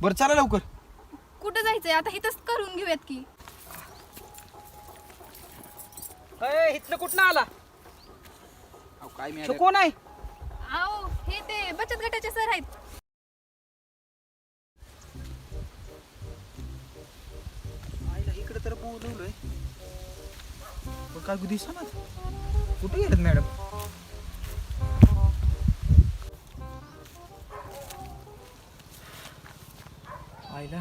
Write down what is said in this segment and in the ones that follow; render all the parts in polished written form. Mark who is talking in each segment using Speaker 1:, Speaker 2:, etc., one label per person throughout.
Speaker 1: बरं चला लवकर.
Speaker 2: कुठं जायचंय आता? इथंच करून घेऊयात की.
Speaker 3: इथलं कुठं आला?
Speaker 1: अहो काय
Speaker 3: तो
Speaker 1: मॅडम,
Speaker 3: कोण आहे?
Speaker 2: आओ हे ते बचत गटाचे सर आहेत.
Speaker 1: आईला इकडे तर बोलवलंय पण काय दिसना. कुठे गेलेत मॅडम? आईला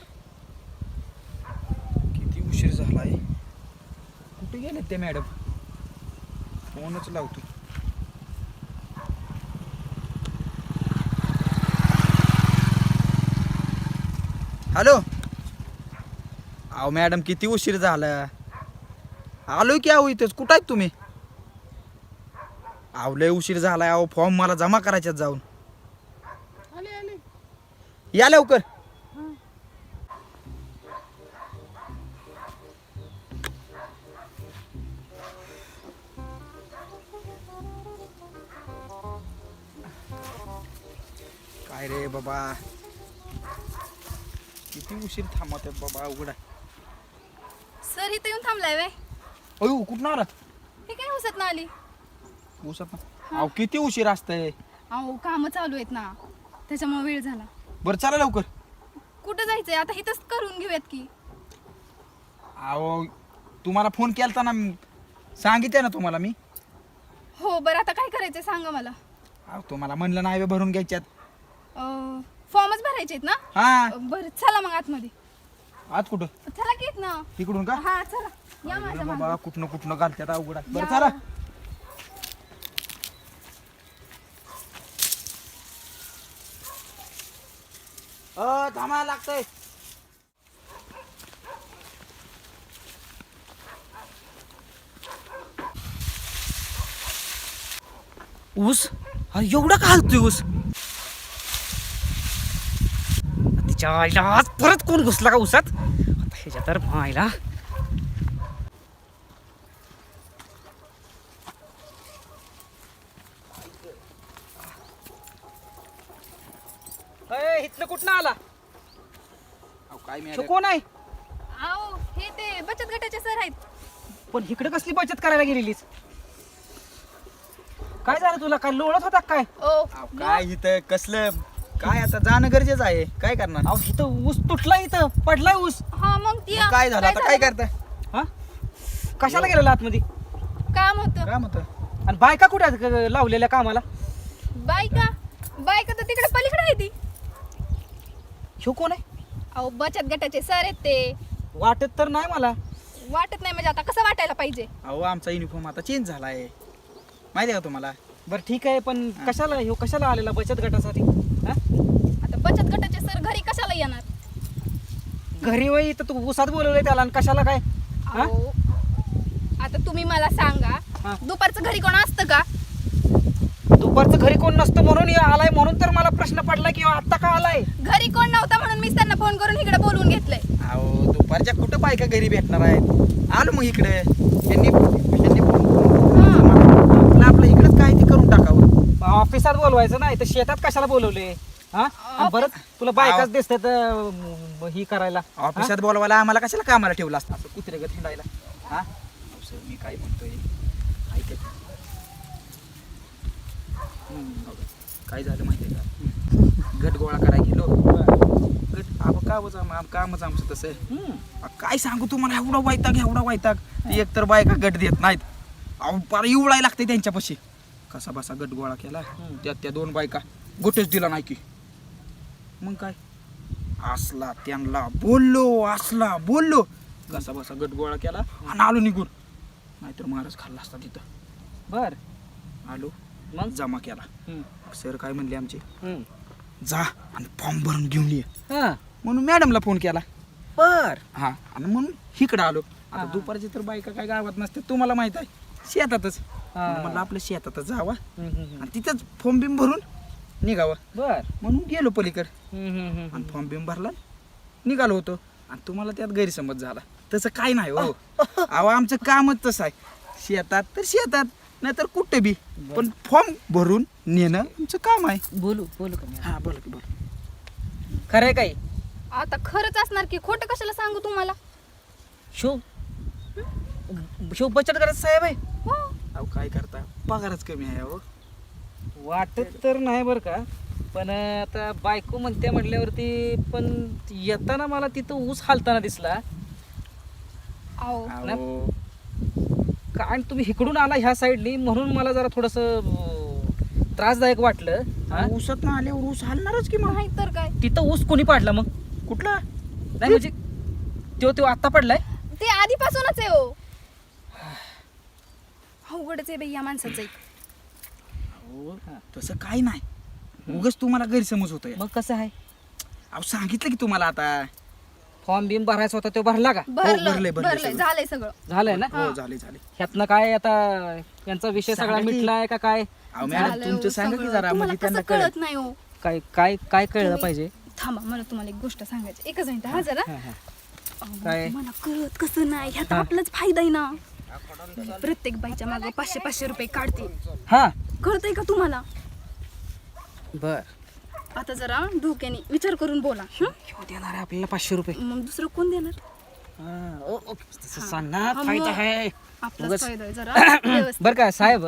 Speaker 1: किती उशीर झालाय. कुठे गेलेत ते मॅडम? फोनच लावतो. हॅलो. अहो मॅडम किती उशीर झाला. आलोय की अहो इथंच. कुठं आहेत तुम्ही? अहो लय उशीर झालाय. अहो फॉर्म मला जमा करायच्यात जाऊन. या लवकर. काय रे बाबा, किती उशीर थांबत आहेत बाबा. अवघड आहे.
Speaker 2: सर इथं येऊन थांबलाय वे.
Speaker 1: अयो कुठं आला?
Speaker 2: हे काय हुसत ना आली?
Speaker 1: उसत ना. अहो किती उशीर असतंय.
Speaker 2: अहो काम चालू आहेत ना, त्याच्यामुळे वेळ झाला.
Speaker 1: बरं चला लवकर.
Speaker 2: कुठं जायचंय आता? इथंच करून घेऊयात की.
Speaker 1: अहो तुम्हाला फोन केलता ना, सांगितलं ना तुम्हाला मी.
Speaker 2: हो बरं, आता काय करायचंय सांगा मला.
Speaker 1: अहो तुम्हाला म्हणलं नाही भरून घ्यायच्यात.
Speaker 2: फॉर्मच भरायचे आहेत ना?
Speaker 1: हा
Speaker 2: बरं चला मग आतमध्ये.
Speaker 1: आज कुठं?
Speaker 2: चला की ना.
Speaker 1: तिकडून का?
Speaker 2: हा चला या माझ्या
Speaker 1: बाबा
Speaker 2: मागं.
Speaker 1: कुठनं घालत्यात. अवघड आहे. बरं
Speaker 2: या.
Speaker 1: चला. थांबा लागतंय.
Speaker 3: ऊस एवढा का हलतोय ऊस? तिच्या आईला आज परत कोण घुसला का ऊसात? आता ह्याच्या तर आईला इथलं कुठं आला?
Speaker 1: अहो काय
Speaker 3: तो
Speaker 1: मॅडम,
Speaker 3: कोण आहे?
Speaker 2: आओ हे ते बचत गटाचे सर आहेत.
Speaker 3: पण इकडे कसली बचत करायला गेलेलीस? काय झालं तुला? काय लोळत होता काय?
Speaker 2: ओ
Speaker 1: काय इथं कसलं काय आता जाणं गरजेचं आहे. काय करणार?
Speaker 3: अहो इथं ऊस तुटला, इथं पडलाय ऊस.
Speaker 2: हा मग ती
Speaker 1: मग काय झालं आता? काय करताय?
Speaker 3: हा कशाला गेलेला आतमध्ये?
Speaker 2: काम होतं.
Speaker 1: काय म्हणतं?
Speaker 3: आणि बायका कुठे आहेत लावलेल्या कामाला?
Speaker 2: बायका बायका तर तिकडे पलीकडे आहे ती.
Speaker 3: ह्यो कोण आहे?
Speaker 2: अहो बचत गटाचे सर आहेत ते.
Speaker 3: वाटत तर नाही मला.
Speaker 2: वाटत नाही म्हणजे आता कसं वाटायला पाहिजे?
Speaker 1: अहो आमचा युनिफॉर्म आता चेंज झालाय, माहिती आहे का तुम्हाला?
Speaker 3: बरं ठीक आहे, पण कशाला ह्यो कशाला आलेला बचत गटासाठी? हा?
Speaker 2: आता बचत गटाचे सर घरी कशाला येणार?
Speaker 3: घरी वय तर तू उसात बोलवलंय त्याला, आणि कशाला काय? हा?
Speaker 2: अहो, आता तुम्ही मला सांगा,
Speaker 3: हा.
Speaker 2: दुपारचं घरी कोण असतं का?
Speaker 3: दुपारचं घरी कोण नसतं म्हणून ह्यो आलाय, म्हणून तर मला प्रश्न पडला की ह्यो आत्ता का आलाय?
Speaker 2: घरी कोण नव्हता म्हणून मी त्यांना फोन करून इकडे बोलवून घेतलंय.
Speaker 1: अहो दुपारच्या कुठं बायका घरी भेटणार आहेत. आलो मग इकडे. त्यांनी आपलं इकडेच काय ते करून टाकावं.
Speaker 3: ऑफिसात बोलवायचं नाही तर शेतात कशाला बोलवले? हा? आणि बरं तुला बायकाच दिसतात ही करायला.
Speaker 1: ऑफिसात बोलवायला आम्हाला कशाला कामाला ठेवलं असतं असं कुत्रेगत हिंडायला? हा सर मी काय म्हणतोय ऐकत. काय झालं माहितीये का? गट गोळा करायला गेलो. गट कामच आमचं तसं आहे. काय सांगू तुम्हाला, एवढा वैताग. ती एकतर बायका गट देत नाहीत. अहो पार इवळाय लागते त्यांच्यापाशी. कसा बसा गट गोळा केला. त्यात त्या दोन बायका गोटेच दिला नाही की. मग काय असला त्यांना बोललो कसा बसा गट गोळा केला आणि आलो निघून. नाहीतर महाराज खाल्ला असता तिथं.
Speaker 3: बर
Speaker 1: आलो
Speaker 3: मग
Speaker 1: जमा केला. सर काय म्हणले आमचे,
Speaker 3: हम्म.
Speaker 1: जा आणि फॉर्म भरून घेऊन ये.
Speaker 3: हा.
Speaker 1: म्हणून मॅडमला फोन केला.
Speaker 3: बर
Speaker 1: हा आणि म्हणून इकडं आलो. आता
Speaker 3: हा.
Speaker 1: दुपारची तर बायका काय गावात नसते, तुम्हाला माहित आहे, शेतातच.
Speaker 3: हा.
Speaker 1: म्हणलं आपलं शेतातच जावा
Speaker 3: हम्म.
Speaker 1: आणि तिथंच फॉर्म बिम भरून निघावं.
Speaker 3: बर
Speaker 1: म्हणून गेलो पलीकडे
Speaker 3: हम्म.
Speaker 1: आणि फॉर्म बिम भरला, निघालो होतो. आणि तुम्हाला त्यात गैरसमज झाला. तसं काय नाही हो. अहो आमचं कामच तसं आहे. शेतात तर शेतात, नाहीतर कुठे बी, पण फॉर्म भरून नेणं आमचं काम आहे.
Speaker 3: बोलू का मी?
Speaker 1: हा बोला की बोला.
Speaker 3: खरंय काही
Speaker 2: आता खरंच असणार की खोटं कशाला सांगू तुम्हाला.
Speaker 3: शिव शिव बचत गट साहेब आहे.
Speaker 2: हो
Speaker 1: अहो काय करता, पगारच कमी आहे अहो.
Speaker 3: वाटत तर नाही बरं का, पण आता बायको म्हणते म्हटल्यावरती, पण येताना मला तिथं ऊस हालताना दिसला.
Speaker 2: अहो
Speaker 1: अहो
Speaker 3: कारण तुम्ही इकडून आला ह्या साईडनी, म्हणून मला जरा थोडस त्रासदायक वाटलं. हा?
Speaker 1: ऊसात ना आल्यावर ऊस हलणारच की मग.
Speaker 2: नाही तर काय.
Speaker 3: तिथं ऊस कोणी पाडला मग?
Speaker 1: कुठला?
Speaker 3: नाही म्हणजे तो आता पडलाय.
Speaker 2: ते आधीपासूनच आहे हो. अवघडच आहे बाई या माणसाचं.
Speaker 1: अहो तसं काही नाही, उगाच तुम्हाला गैरसमज होतोय.
Speaker 3: मग कसं आहे?
Speaker 1: अहो सांगितलं की तुम्हाला आता.
Speaker 3: फॉर्म बिम भरायचा होता तो भरला का?
Speaker 1: भरलंय
Speaker 2: भरलंय
Speaker 1: सगळं.
Speaker 2: झालंय सगळं.
Speaker 3: झालंय ना?
Speaker 1: हो झाले झाले.
Speaker 3: ह्यातनं काय आता यांचा विषय सगळा
Speaker 1: सांगा की.
Speaker 3: मिटलाय का काय?
Speaker 1: अहो मॅडम
Speaker 2: झालंय
Speaker 1: तुमचं
Speaker 2: हो
Speaker 1: सांगा की
Speaker 2: सगळं.
Speaker 1: जरा,
Speaker 2: तुम्हाला
Speaker 1: म्हणजे
Speaker 2: कसं
Speaker 1: त्यांना कळत.
Speaker 2: कळत नाही हो.
Speaker 3: काय काय काय कळलं
Speaker 2: तुम्ही-
Speaker 3: पाहिजे?
Speaker 2: थांबा मला तुम्हाला एक गोष्ट सांगायची. एकच मिनिट हा जरा.
Speaker 3: हा, हा.
Speaker 2: अहो,
Speaker 3: काय?
Speaker 2: मला कळत कसं नाही, ह्यात आपलाच फायदा आहे ना. प्रत्येक बाईच्या मागे 500-500 रुपये काढते.
Speaker 3: हा
Speaker 2: कळतंय का तुम्हाला?
Speaker 3: बर.
Speaker 2: आता जरा डोक्याने विचार करून बोला. हं?
Speaker 3: ह्यो देणार आहे आपल्याला 500 रुपये.
Speaker 2: मग दुसरं कोण देणार?
Speaker 3: तसं सांग ना,
Speaker 2: हा,
Speaker 3: फायदा
Speaker 2: मग.
Speaker 3: आहे.
Speaker 2: आपलाच
Speaker 3: उगाच-
Speaker 2: फायदा आहे जरा व्यवस्थित.
Speaker 3: बर का साहेब,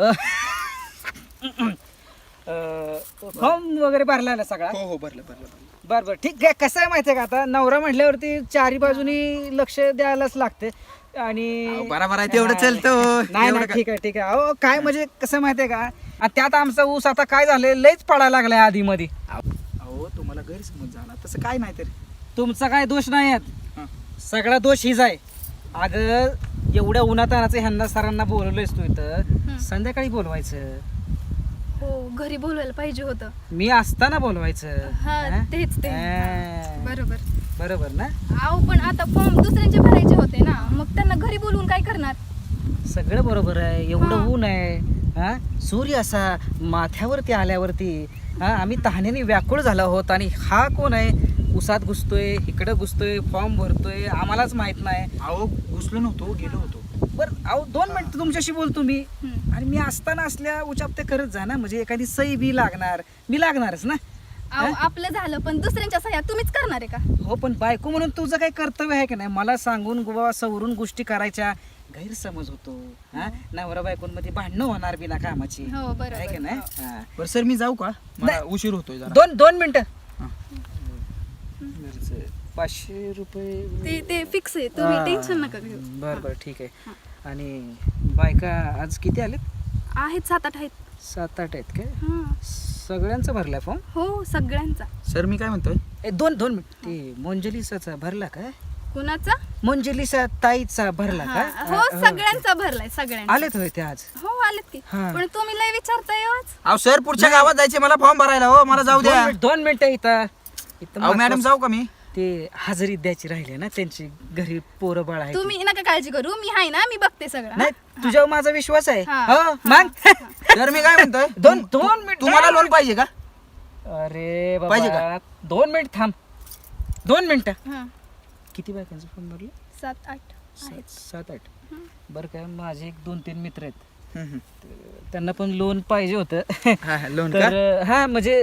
Speaker 3: फॉर्म वगैरे भरला ना सगळा?
Speaker 1: हो हो भरलं भरलं भरलं.
Speaker 3: बर बर ठीक आहे. कसं आहे माहितीये का, आता नवरा म्हटल्यावरती चारी बाजूनी लक्ष द्यायलाच लागते. आणि
Speaker 1: अहो, बरोबर आहे, तेवढं चालतं.
Speaker 3: नाही
Speaker 1: एवढं
Speaker 3: नाही
Speaker 1: काय-
Speaker 3: ठीक आहे ठीक आहे. अहो काय म्हणजे कसं माहितीये का, आणि त्यात आमचा ऊस आता काय झालंय, लयच पडायला लागलाय आधी मध्ये.
Speaker 1: अहो तुम्हाला गैरसमज झाला, तसं काय नाही तरी.
Speaker 3: तुमचा काय दोष नाही
Speaker 1: हा.
Speaker 3: आहेत, सगळा दोष हीच आहे. अगं एवढ्या उन्हातानाचं ह्यांना सरांना बोलवलंयस तू इथं, संध्याकाळी बोलवायचं.
Speaker 2: हो घरी बोलवायला पाहिजे होतं.
Speaker 3: मी असताना बोलवायचं.
Speaker 2: हा
Speaker 3: हा?
Speaker 2: तेच ते.
Speaker 3: हा.
Speaker 2: बरोबर.
Speaker 3: बरोबर ना?
Speaker 2: अहो पण आता फॉर्म दुसऱ्यांचे भरायचे होते ना, मग त्यांना घरी बोलवून काय करणार?
Speaker 3: सगळं बरोबर आहे. एवढं
Speaker 2: हा.
Speaker 3: ऊन आहे, हा सूर्य असा माथ्यावरती आल्यावरती, हा आम्ही तहानेने व्याकुळ झालो आहोत, आणि हा कोण आहे उसात घुसतोय, इकडं घुसतोय, फॉर्म भरतोय, आम्हालाच माहित नाही.
Speaker 1: अहो घुसलो नव्हतो, गेलो होतो.
Speaker 3: बरं अहो 2 मिनिट तुमच्याशी बोलतो मी.
Speaker 2: हम्म.
Speaker 3: आणि मी असताना असल्या उचापते करत जा ना, म्हणजे एखादी सही बी लागणार, मी लागणारच ना.
Speaker 2: अहो आपलं झालं, पण दुसऱ्यांच्या सह्या तुम्हीच करणार आहे का?
Speaker 3: हो पण बायको म्हणून तुझं काही कर्तव्य आहे की नाही, मला सांगून गोवा सवरून गोष्टी करायच्या. गैरसमज होतो, हा नवरा बायकोंमध्ये भांडणं होणार बिना कामाची,
Speaker 2: हो बरोबर.
Speaker 3: आहे की नाही?
Speaker 2: हो.
Speaker 3: हा.
Speaker 1: बरं सर मी जाऊ का, मला उशीर होतोय जरा.
Speaker 3: 2 मिनिटं.
Speaker 1: हा.
Speaker 3: 500 रुपये.
Speaker 2: ते फिक्स आहे, तुम्ही
Speaker 3: हा.
Speaker 2: टेन्शन नका घेऊ.
Speaker 3: बरं बरं ठीक आहे. आणि बायका आज किती आलेत?
Speaker 2: आहेत 7-8 आहेत.
Speaker 3: 7-8 आहेत काय?
Speaker 2: हं.
Speaker 3: सगळ्यांचा भरलाय फॉर्म?
Speaker 2: हो सगळ्यांचा.
Speaker 1: सर मी काय म्हणतोय,
Speaker 3: 2 मिनिट. ते मोंजलिसाचा भरला काय?
Speaker 2: कुणाचा?
Speaker 3: मोंजलिसा ताईचा भरला
Speaker 2: हा.
Speaker 3: का?
Speaker 2: हो सगळ्यांचा भरलाय, सगळ्यांचा.
Speaker 3: आलेत होय ते आज?
Speaker 2: हो आलेत की.
Speaker 3: हा.
Speaker 2: पण तुम्ही लय विचारताय हो आज.
Speaker 1: अहो सर पुढच्या गावात जायचे मला फॉर्म भरायला. हो मला जाऊ द्या.
Speaker 3: 2 मिनिटं इथं
Speaker 1: अहो मॅडम जाऊ का मी?
Speaker 3: ते हजेरी द्यायची राहिली ना त्यांची, घरी पोरं बाळ आहे.
Speaker 2: तुम्ही नका काळजी करू, मी आहे ना, मी बघते सगळं.
Speaker 3: नाही तुझ्यावर माझा विश्वास आहे.
Speaker 2: हा.
Speaker 3: हो मग.
Speaker 1: सर मी काय म्हणतोय,
Speaker 3: दोन मिनिट.
Speaker 1: तुम्हाला लोन पाहिजे का?
Speaker 3: अरे
Speaker 1: पाहिजे
Speaker 3: बाबा 2 मिनिट थांब. 2 मिनिटं.
Speaker 2: हा.
Speaker 3: किती बायकांचं फोन भरलं?
Speaker 2: 7-8 आहेत.
Speaker 3: 7-8. बरं काय, माझे 1-2-3 मित्र आहेत,
Speaker 1: हम्म,
Speaker 3: त्यांना पण लोन पाहिजे होतं.
Speaker 1: हा हा, लोन का?
Speaker 3: तर हा म्हणजे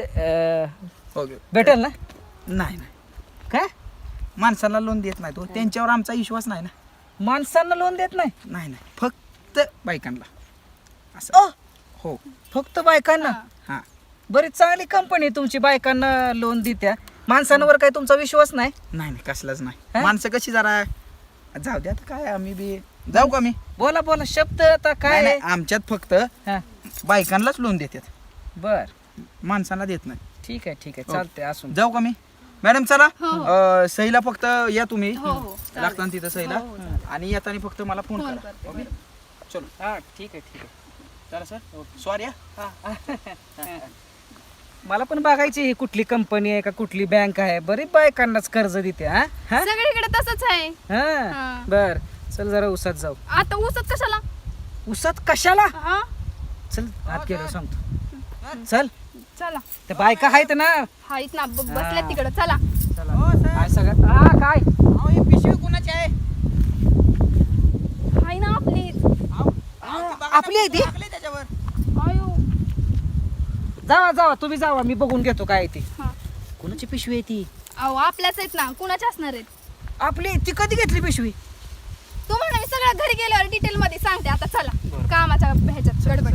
Speaker 1: ओके.
Speaker 3: भेटेल ना?
Speaker 1: नाही नाही,
Speaker 3: काय
Speaker 1: माणसाला लोन देत नाही तो, त्यांच्यावर आमचा विश्वास नाही ना.
Speaker 3: माणसांना लोन देत नाही?
Speaker 1: नाही नाही, फक्त बायकांना असं. हो
Speaker 3: फक्त बायकांना?
Speaker 2: हा.
Speaker 1: हा.
Speaker 3: बरीच चांगली कंपनी तुमची, बायकांना लोन देत्या, माणसांवर काय तुमचा विश्वास नाही?
Speaker 1: नाही नाही कसलाच नाही.
Speaker 3: हा?
Speaker 1: माणसं कशी जरा जाऊ द्या आता, काय आम्ही बी जाऊ का मी?
Speaker 3: बोला बोला शब्द आता
Speaker 1: नाही,
Speaker 3: काय
Speaker 1: नाही, आमच्यात फक्त
Speaker 3: हा.
Speaker 1: बायकांनाच लोन देतात,
Speaker 3: बर
Speaker 1: माणसांना देत नाही.
Speaker 3: ठीक आहे ठीक आहे,
Speaker 1: हो.
Speaker 3: चालतंय असून.
Speaker 1: जाऊ का मी? मॅडम चला.
Speaker 2: हो.
Speaker 1: सहीला फक्त या तुम्ही,
Speaker 2: हो हो चालेल.
Speaker 1: लागता तिथं सहीला.
Speaker 2: हो, हो, चालेल.
Speaker 1: आणि येताना फक्त मला फोन
Speaker 2: फोन
Speaker 1: करा.
Speaker 2: करते,
Speaker 1: ओके?
Speaker 2: बरोबर.
Speaker 1: चलो
Speaker 3: हा ठीक आहे ठीक आहे.
Speaker 1: चला सर, सॉरी हा.
Speaker 3: मला पण बघायची ही कुठली कंपनी आहे का कुठली बँक आहे, बरी बायकांनाच कर्ज देते. हा हा
Speaker 2: सगळीकडे तसंच आहे.
Speaker 3: हा.
Speaker 2: हा.
Speaker 3: बर चल जरा उसात जाऊ.
Speaker 2: आता ऊसच कशाला?
Speaker 3: उसात कशाला?
Speaker 2: हा
Speaker 3: चल आत गेलो सांगतो. चल
Speaker 2: चला.
Speaker 3: त्या बायका आहेत ना.
Speaker 2: आहेत ना, बसल्यात तिकडं. चला.
Speaker 3: चला काय सगळं हा काय
Speaker 1: पिशवी कोणाची आहे?
Speaker 2: हाय ना आपली.
Speaker 3: आपली आहे ती?
Speaker 1: त्याच्यावर.
Speaker 2: आयो.
Speaker 3: जावा जावा तुम्ही जावा, मी बघून घेतो काय ती.
Speaker 2: हा.
Speaker 3: कोणाची पिशवी आहे ती?
Speaker 2: अहो आपल्याच आहेत ना, कुणाच्या असणार आहेत?
Speaker 3: आपली ती कधी घेतली पिशवी?
Speaker 2: तुम्हाला मी सगळं घरी गेल्यावर डिटेल मध्ये सांगते. आता चला
Speaker 3: बरं.
Speaker 2: कामाच्या ह्याच्यात गडबड.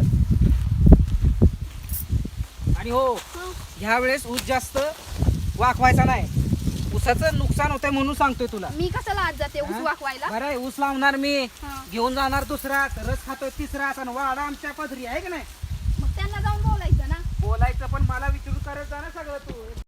Speaker 3: आणि हो, ह्या वेळेस ऊस जास्त वाकवायचा नाही. ऊसाचं नुकसान होतंय म्हणून सांगतोय तुला.
Speaker 2: मी कशाला आज जाते ऊस वाकवायला?
Speaker 3: बरं आहे, ऊस लावणार मी,
Speaker 2: हा.
Speaker 3: घेऊन जाणार दुसरा, रस खातोय तिसरा, आणि वाडा आमच्या पदरी आहे की नाही.
Speaker 2: मग त्यांना जाऊन बोलायचं ना.
Speaker 3: बोलायचं पण मला विचारून करत जा ना सगळं तू.